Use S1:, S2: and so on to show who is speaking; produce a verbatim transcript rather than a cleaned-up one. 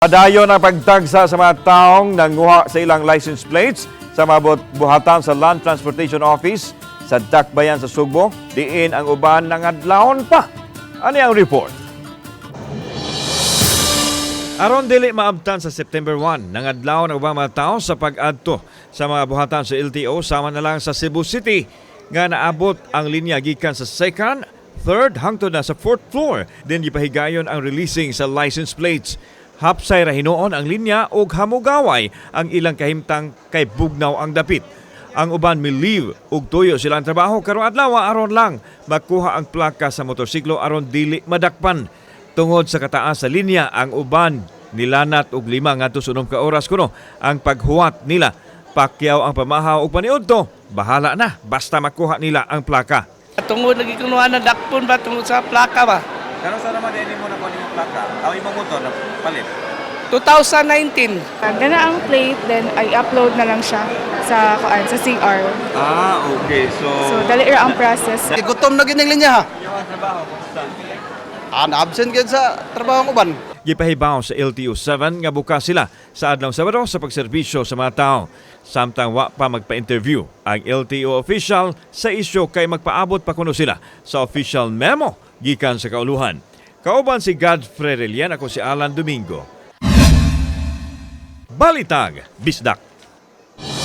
S1: Padayon ang pagtagsa sa mga taong nanguha sa ilang license plates sa mga buhatan sa Land Transportation Office sa Dakbayan sa Sugbo. Diin ang uban nangadlawon pa. Ano ang report? Aron dili maabtan sa September first, nangadlawon ang ubang mga tao sa pag-adto sa mga buhatan sa L T O sama na lang sa Cebu City nga naabot ang linya gikan sa second, third hangtod na sa fourth floor. Din gipahigayon ang releasing sa license plates. Hapsay ra hinuon ang linya ug hamugaway ang ilang kahimtang kay bugnaw ang dapit. Ang uban miliv ug tuyo sila ang trabaho karong adlaw aron lang makuha ang plaka sa motorsiklo aron dili madakpan. Tungod sa kataas sa linya ang uban nilanat og lima ngadto sa unom ka oras kuno ang paghuwat nila. Pakyaw ang pamahaw ug paniudto, bahala na basta makuha nila ang plaka.
S2: Tungod lagi kunuha na dakpon ba tungod sa plaka ba?
S1: Kano sa naman din mo na kuha yung plaka? Aw imong motor na palit.
S2: twenty nineteen.
S3: Gana ang plate, then I upload na lang siya sa kuan sa C R.
S1: Ah, okay. So,
S3: So dali ra ang process.
S4: Igutom na gining linya ha.
S1: yung trabaho kumusta?
S4: Ah, na-absent gid sa trabaho ng uban.
S1: Gipahibaw sa L T O seven nga bukas sila sa adlaw Sabado sa pagserbisyo sa mga tao. Samtang wa pa magpa-interview ang L T O official sa isyu kay magpaabot pa kuno sila sa official memo gikan sa kauluhan. Kauban si Godfrey Relian, ako si Alan Domingo. Balitag, Bisdak.